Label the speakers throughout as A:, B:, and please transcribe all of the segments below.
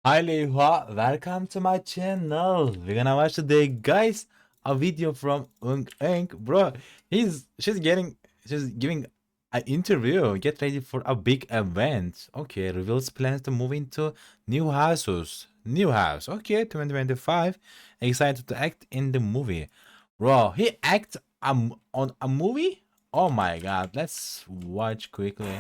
A: Hi Leihua, welcome to my channel. We're gonna watch today, guys, a video from Ung Eng. Bro, she's giving an interview. Get ready for a big event. Okay, reveals plans to move into new houses. New house. Okay, 2025. Excited to act in the movie. Bro, he act on a movie? Oh my god, let's watch quickly.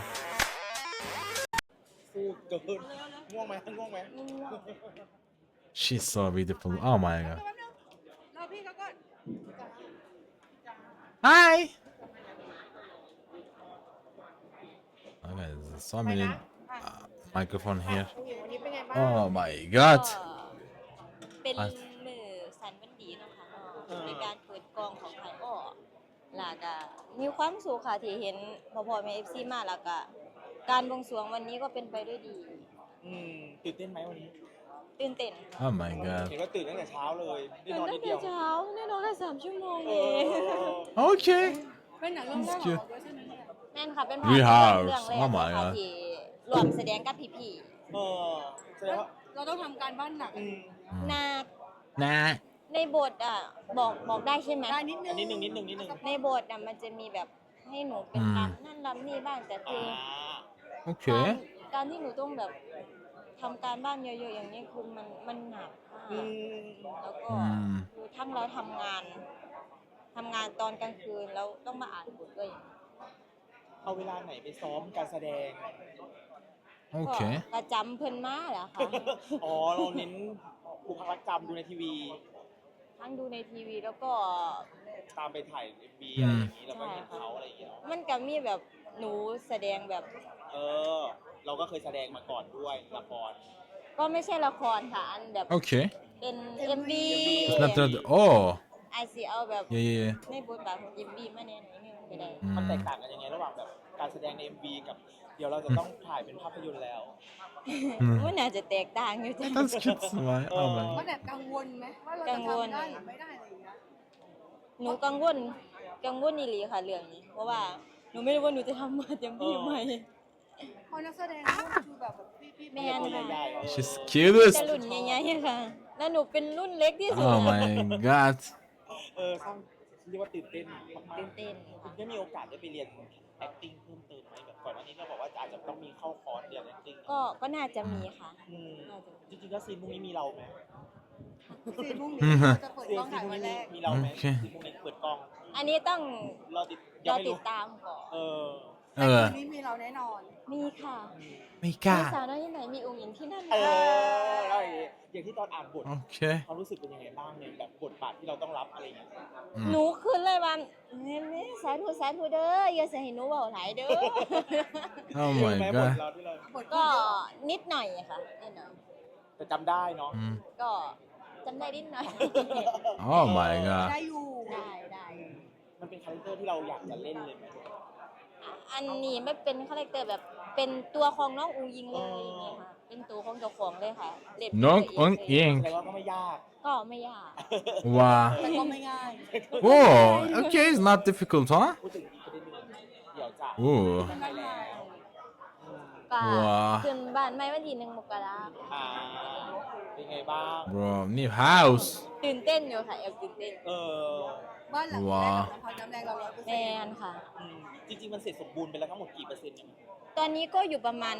B: สู้เกินง่วงไหมง่วงไหม
A: She's so beautiful. Oh my god.
C: รอพี่เขาก่อน
A: Hi. Okay, there's so many microphone here.
C: วันนี้เป็นไงบ้าง
A: Oh my god.
D: เป็น
A: อ่ะ
D: มือสันวันดีเนาะค่ะในการเปิดกองของไทยอ้อแล้วก็มีความสุขค่ะที่เห็นพ่อแม่ FC มาแล้วก็การบวงสรวงวันนี้ก็เป็นไปด้วยดี
B: ตื่นเต้นไหมวันนี้
D: ตื่นเต้น
A: Oh my god.
B: เห็นว่าตื่นตั้งแต่เช้าเลยได้
D: ตื่น
B: นอน
D: ตั้
B: นิ
D: ง
B: ดเดี
D: แต่
B: ยว
D: เช้าแน่นอนแค่3 ชั่วโมง
B: เอ
D: เอง
B: อ
A: Okay.
C: เป็นหนังเรื่องแรก
A: That's
C: ของ
A: cute.
C: เราด้วยใช่ไหมเนี่ย
D: นั่นค่ะเป็น
A: We
D: ภาพ
A: have
D: เรื่องแรก
A: oh my
D: ค่ะ
A: god
D: ที่รวมแสดงกับพี่
B: เออแสดงว่า
C: เราต้องทำการบ้านหนัก
D: ๆนา
A: Nah.
D: ในบทบอกได้ใช่ไหม
C: ได้นิดนึง
B: นิดนึงนิดนึงนิดนึง
D: ในบทมันจะมีแบบให้หนูเป็นรำนั่นรำนี่บ้างแต่คือ
A: Okay.
D: การที่หนูต้องแบบทำการบ้านเยอะๆอย่างนี้คือมันหนักมาก
B: อืม
D: แล้วก็
A: อืม
D: คือทั้งเราทำงานตอนกลางคืนแล้วต้องมาอ่านบทด้วย
B: เอาเวลาไหนไปซ้อมการแสดง
A: Okay.
D: ก็ประจำเพิ่นมาแหละค่ะ
B: อ๋อเราเน้นบุคลิกจำดูในทีวี
D: ทั้งดูในทีวีแล้วก็
B: ตามไปถ่าย MV อะไรอย่างนี้แล้วก็เห็นเขาอะไรอย่างเงี้ย
D: มันก็มีแบบหนูแสดงแบบ
B: เออ เราก็เคยแสดงมาก่อนด้วยละคร
D: ก็ไม่ใช่ละครค่ะอันแบบ
A: Okay.
D: เป็น MV
A: It's not that. Oh.
D: ไอซีเอาแบบ
A: Yeah, yeah, yeah.
D: ในบทบาทของ MV มาแน่หน่อยนึงก็ได้
B: มันแตก
A: Mm.
B: ต่างกันยังไงระหว่างแบบการแสดงใน MV กับ เดี๋ยวเราจะต้องถ่ายเป็นภาพยนตร์แล้ว
D: มันน่าจะแตกต่างอยู่จ้ะ
A: That's cute smile. Oh
C: ว่า
A: my.
C: แอบกังวลไหมว่าเราจะทำได้หรือไม่ได้อะไรอย่างเงี้ย
D: หนูกังวลอีหลีค่ะเรื่องนี้ เพราะว่าหนูไม่รู้ว่าหนูจะทำมาเต็มที่ไหม
C: เพราะนักแสดงรุ่นคือแบบพี่
D: แม่น
B: ตัวใหญ่ๆ
A: She's
D: จะ
A: cutest.
D: รุ่นใหญ่ๆค่ะ แล้วหนูเป็นรุ่นเล็กที่สุด
A: Oh my god.
B: สร้างเรียกว่าตื่นเต้นมาก
D: ตื่นเต้น
B: ๆคุ
D: ค่ะ
B: ณได้มีโอกาสได้ไปเรียน acting เพิ่มเติมไหมแบบก่อนหน้านี้เราบอกว่าอาจจะต้องมีเข้าคอร์สเรียน acting
D: ก็น่าจะมีค่ะ
B: อืม
D: น่าจะมี
B: จริงๆแล้วซีนพวกนี้มีเราไหม
C: ซีนพรุ่งนี้เราจะเปิด
B: ซี
C: กล้องถ่าย
B: นพว
C: วั
B: ก
C: นแร
B: นี้
C: ก
B: มีเราไหม
A: โอเค
B: ซีนพวกนี้เปิดกล้อง
D: อันนี้ต้อง
B: เราติด
D: ร
B: ยัง
D: อ
B: ไม่
D: ติ
B: รู้
D: ดตามก่อน
B: เออ
C: แต่
A: เออ
C: คืนนี้มีเราแน่นอน
D: มีค่ะ
A: ไม่ก
D: มี
A: ล้า
D: สาวน้อยที่ไหนมีองค์หญิงที่นั่น
B: เอ
D: ค่ะ
B: อแล้วอย่างที่ตอนอ่านบท
A: Okay.
B: ความรู้สึกเป็นยังไงบ้างในแบบบทบาทที่เราต้องรับอะไรอย่างเงี้ย
D: หนูคืนเลยว่าเนี่ยสาธุเด้ออย่าใส่ให้หนูเบาหลายเด้อ
A: Oh
B: เยอะ
A: my
B: ไหมบท
A: god.
B: เราที่เรา
C: บท
D: ก็นิดหน่อยค่ะนิดหน่อย
B: แต่จำได้เนาะ
A: Mm.
D: ก็จำได้นิดหน่อย
A: Oh my god.
C: ได้อยู่
D: ได้
B: มันเป็นคาแรคเตอร์ที่เราอยากจะเล่นเลยไหม
D: อันนี้ไม่เป็นคาแรคเตอร์แบบเป็นตัวของน้องอูยิงเลยอย่างเงี้ยค่ะเป็นตัวของเจ้าของเลยค่ะเล่นเป็น
A: น้อง
D: ตัว
A: อง
D: เ
A: อิง
B: แสดงว่าก็ไม่ยาก
D: ก็ไม่ยาก
A: Wow.
C: แต่ก็ไม่ง่าย
A: Oh, okay. It's not difficult, huh?
B: พูดถึงอีกประเด็นหนึ่งเดี๋ยวจะ
A: Ooh.
C: ไม่ง่าย
D: ก็
A: ว้า
D: ขึ้นบ้านไม่วันที่1 มกราคม
B: อ่าเป็นไงบ้าง
A: Bro, new house.
D: ตื่นเต้นอยู่ค่ะแอบตื่นเต้น
B: เออ
C: บ้านหลังแรกของพอน้ำแรงเรา100%
D: แมนค่ะ
B: อืมจริงๆมันเสร็จสมบูรณ์ไปแล้วทั้งหมดกี่เปอร์เซ็นต์เนี่ย
D: ตอนนี้ก็อยู่ประมาณ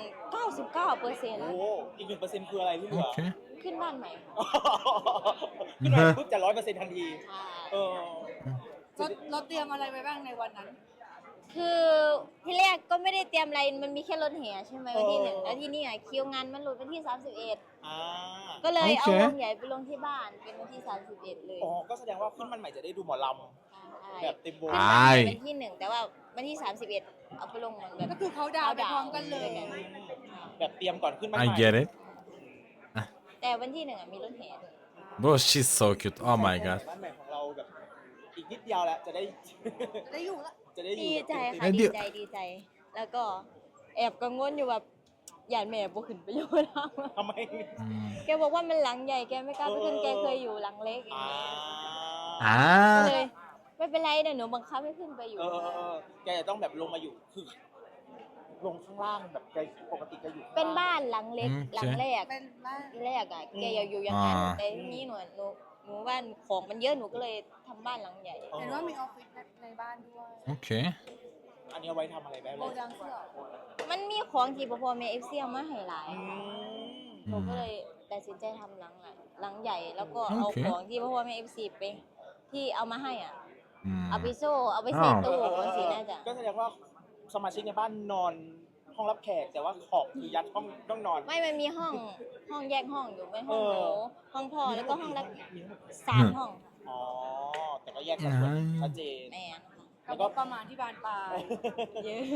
D: 99%
B: โอ้อีก1%คืออะไรที่เหลือ
A: Okay.
D: ขึ้นบ้านใหม่ค่ะ
B: ขึ้นมาปุ๊บจะ100%ทันที
D: ใช่
B: เออ
C: เราเตรียมอะไรไว้บ้างในวันนั้น
D: คือที่แรกก็ไม่ได้เตรียมอะไรมันมีแค่รถแห่ใช่ไหมวันที่1แล้วที่นี่คิวงานมันหลุดวันที่31
B: อ่า
D: ก็เลยเอา
A: โอเค
D: วงใหญ่ไปลงที่บ้านเป็นวันที่31เลย
B: อ๋อก็แสดงว่าขึ้นมันใหม่จะได้ดูหมอลำแบบเต็มวง
D: ขึ้น
A: อ่า
D: บ้านวันที่1แต่ว่าวันที่31เอาไปลงเหมือนแบบ
C: ก็คือเขาดาวน์ไปพร้อมกันเลย
B: แบบเตรียมก่อนขึ้นมันให
A: I
B: ม่
A: get it.
D: แต่วันที่1มีรถแห่ด้วย
A: Bro, she's so cute. Oh my god.
B: บ้านใหม่ของเราแบบอีกนิดเดียวแล้วจะได้
C: ได้อยู่ละ
B: จะได้อยู่
D: ดีใจค่ะ
A: ไอ้เดี๋
D: ดี
A: ยว
D: ใจ แล้วก็แอบกังวลอยู่แบบหยาดแม่บ่ขึ้นไปอยู่แล้ว
B: ทำไม
A: Mm.
D: แกบอกว่ามันหลังใหญ่แกไม่กล้าไปขึ้นแกเคยอยู่หลังเล็กอย่าง
B: อ่า
D: เงี้ยก็
A: Ah.
D: เลยไม่เป็นไรเดี๋ยวหนูบังคับให้ขึ้นไปอยู่
B: แกจะต้องแบบลงมาอยู่คือลงข้างล่างแบบแกปกติแกอยู่ข้งล่ง
D: เป็นบ้านหลังเล็ก
A: อืม
D: หลังแรก
C: เป็นบ้าน
D: ที่แรกอ่ะแกอยากอยู่อย่างนั้น
A: อ่า
D: แต่ทีนี้หนูว่าของมันเยอะหนูก็เลยทำบ้านหลังใหญ่
C: เห็นว่ามีออฟฟิศในบ้านด้วย
A: Okay.
B: อันนี้เอาไว้ทำอะไรได้
C: โก
B: เลย
C: ดังเสื้อ
D: มันมีของที่พ่อแม่ FC เอามาให้หลาย
B: อืม
D: หนูก็เลยตัดสินใจทำหลังใหญ่แล้วก็เอา
A: โอเค
D: ของที่พ่อแม่ FC ไปที่เอามาให้อ่ะ
A: Mm.
D: เอาไปโซ่เอาไปใส่
A: อ้าว
D: ตู้บางสีน่าจะ
B: ก็แสดงว่าสมาชิกในบ้านนอนห้องรับแขก แต่ว่าของคือยัดห้องต้องนอน
D: ไม่มันมีห้องแยกห้องอยู่เป็นห้อง
B: เออ
D: หนูห้องพ่อแล้วก็ห้องละ
B: มีทั้งหมด
D: 3 ห้องค่ะ
B: อ๋อ แต่ก็แยกกันแบบชัดเจน
D: แม่นค่ะ
C: แล้วก็ประมาณที่บานปลาย
D: เยอะ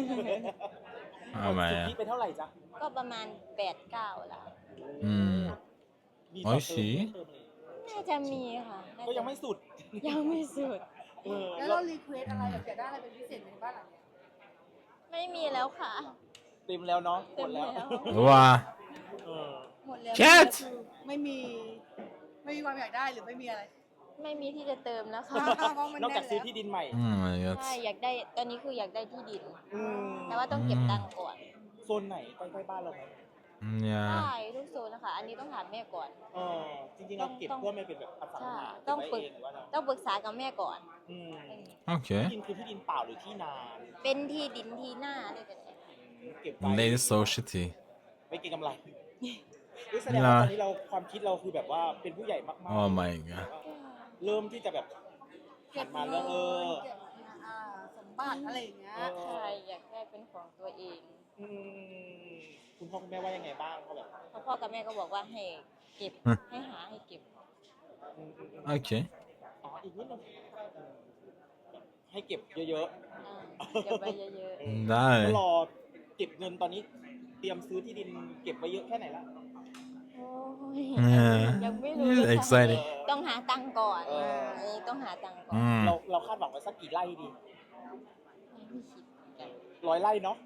A: Oh
B: สุทธิ
A: my.
B: เป็นเท่าไหร่จ๊ะ
D: ก็ประมาณ 8-9 ล้าน
A: Mm.
B: มี
A: โอ้
B: ต่อย เติ
A: สิ
B: มเพิ่มเลย
D: น่าจะมีค่ะน่าจะ
B: ก็ยังไม่สุด
D: ยังไม่สุด
B: เออ
C: แล้วเรารีเควสอะไรแบบอยากได้อะไรเป็นพิเศษในบ้านหลังเนี้ย
D: ไม่มีแล้วค่ะ
B: เต็มแล้วเนาะห
D: เต็
B: ม
D: ม
B: ด
D: แล้
B: แล้ว
D: ว
A: Wow.
B: เออ
C: หมดแล้ว
A: Cat
C: คือไม่มีความอยากได้หรือไม่มีอะไร
D: ไม่มีที่จะเติมแล้วค่ะ
C: เพราะมัน
B: นอก
C: แน่
B: จาก
C: น
B: ซื้อ
C: แล้ว
B: ที่ดินใหม่
A: Oh my
D: ใช่
A: god.
D: อยากได้ตอนนี้คืออยากได้ที่ดิน
B: อืม
D: แต่ว่าต้องเก็บตังค์ก่อน
B: โซนไหนใกล้ๆบ้านเราไหม
A: Yeah.
D: ได้ทุกโซนนะคะ อันนี้ต้องถามแม่ก่อน
B: เออจริงๆเราเก็บเพื่อไม่เป็นแบบอสังหา
D: ใช่
B: เก็บไว้
D: ต้องฝึก
B: เองหรือว่าเรา
D: ต้องปรึกษากับแม่ก่อน
B: อืม
A: Okay.
B: ที่ดินคือที่ดินเปล่าหรือที่นา
D: เป็นที่ดินที่หน้าด้วยกันเนี่ย
B: เก็บไว้
A: Lady so shitty.
B: ไม่เก็งกำไรนี่แสดงว่าตอนนี้เราความคิดเราคือแบบว่าเป็นผู้ใหญ่มากๆ
A: Oh my god.
B: เริ่มที่จะแบบหันมาเรื่อง
C: เก็บเงินสมบัติอะไรอย่างเงี้ย
D: ใช่อยากได้เป็นของตัวเอง
B: อืมคุณพ่อคุณแม่ว่ายังไงบ้างเขาแบบ
D: เพราะพ่อกับแม่ก็บอกว่าให้เก็บ ให้หาให้เก็บ
A: Okay.
B: อ๋ออีกนิดนึงให้เก็บเยอะ
D: เก็บไว้เยอะ
B: ๆ
A: ได้
B: ก็รอเก็บเงินตอนนี้เตรียมซื้อที่ดินเก็บไว้เยอะแค่ไหนละ
D: ๆ โอ้ย
A: Yeah.
D: ยังไม่รู้เลยค่ะ
A: Exciting.
D: ต้องหาตังค์ก่อนอันนี้ต้องหาตังค์ก่อน
A: Mm.
B: เราคาดหวังไว้สักกี่ไร่ดี
D: ไม่คิดเหมือนกัน
B: 100 ไร่เนาะ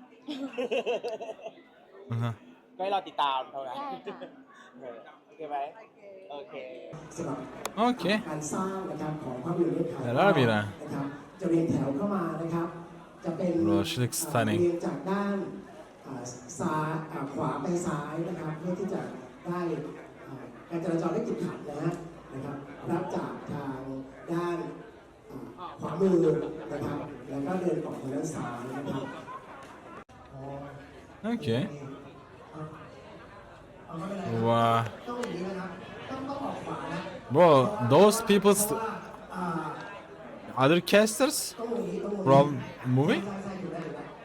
A: Uh-huh.
B: ก็ให้เราติดตามเท่านั้น
D: ได้ค่ะ
B: เออโอเคไหม
C: โอเค
B: โอเค
E: สำหรับ
A: Okay.
E: การสร้างนะครับของภาพยนตร์เรื่องขาย
A: แต่ละปีนะ
E: นะครับจะเรียงแถวเข้ามานะครับ จะเป็น
A: Bro, she looks stunning.
E: เรียงจากด้านซ้ายขวาไปซ้ายนะครับเพื่อที่จะได้การจราจรได้ติดขัดนะครับรับจากทางด้านขวามือนะครับแล้วก็เดินออกทางด้านซ้ายนะครับ
A: Okay.
E: เอาไม่เป็นไร
A: Wow.
E: ต้องอย่างนี้นะครับต้องออกขวานะ
A: Bro, those people,
E: เพราะว่า
A: other casters
E: ต้องอย่างนี้ต้องอย่างนี้
A: from movie?
E: ใช่อยู่ได้อยู่ได้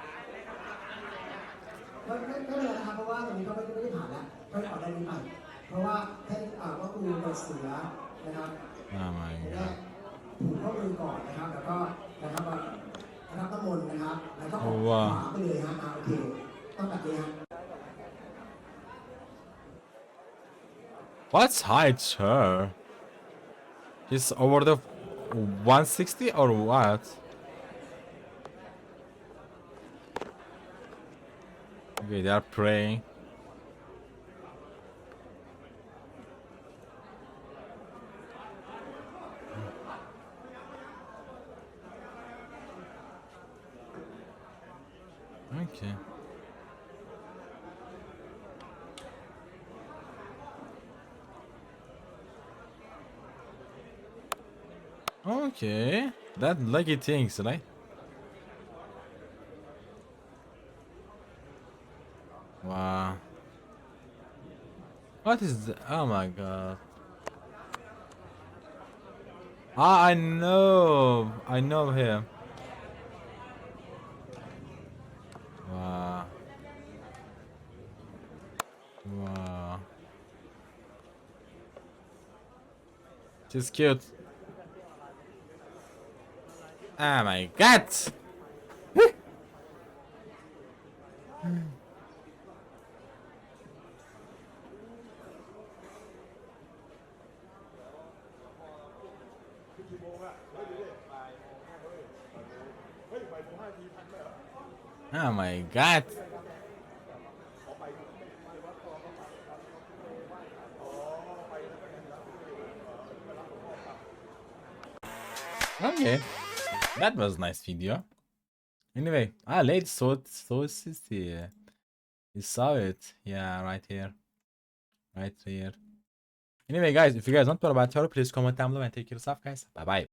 E: ไม่เป็นไรนะครับเพราะว่าตรงนี้ก็ไม่ได้ผ่านแล้วก็ออกได้นี้ไปเพราะว่าท่านก็คือเปิดเสือนะครับ
A: Oh my
E: แร
A: god.
E: กผูกข้อมือก่อนนะครับแล้วก็นะครับรับน้ำมนต์นะครับแล้วก็ออกขวาไปเลยฮะโอเคต้องแบบนี้ฮะ
A: What's height, her? He's over the 160 or what? Okay, they are praying. Okay. Okay, that lucky things, right? Wow. What is the? Oh my god. Ah, I know him. Wow. Wow. She's cute. Oh my god! Oh my god! Okay, that was nice video. Anyway, late so sissy. You saw it. Yeah, right here. Right here. Anyway, guys, if you guys want more about her, please comment down below and take care of yourself, guys. Bye bye.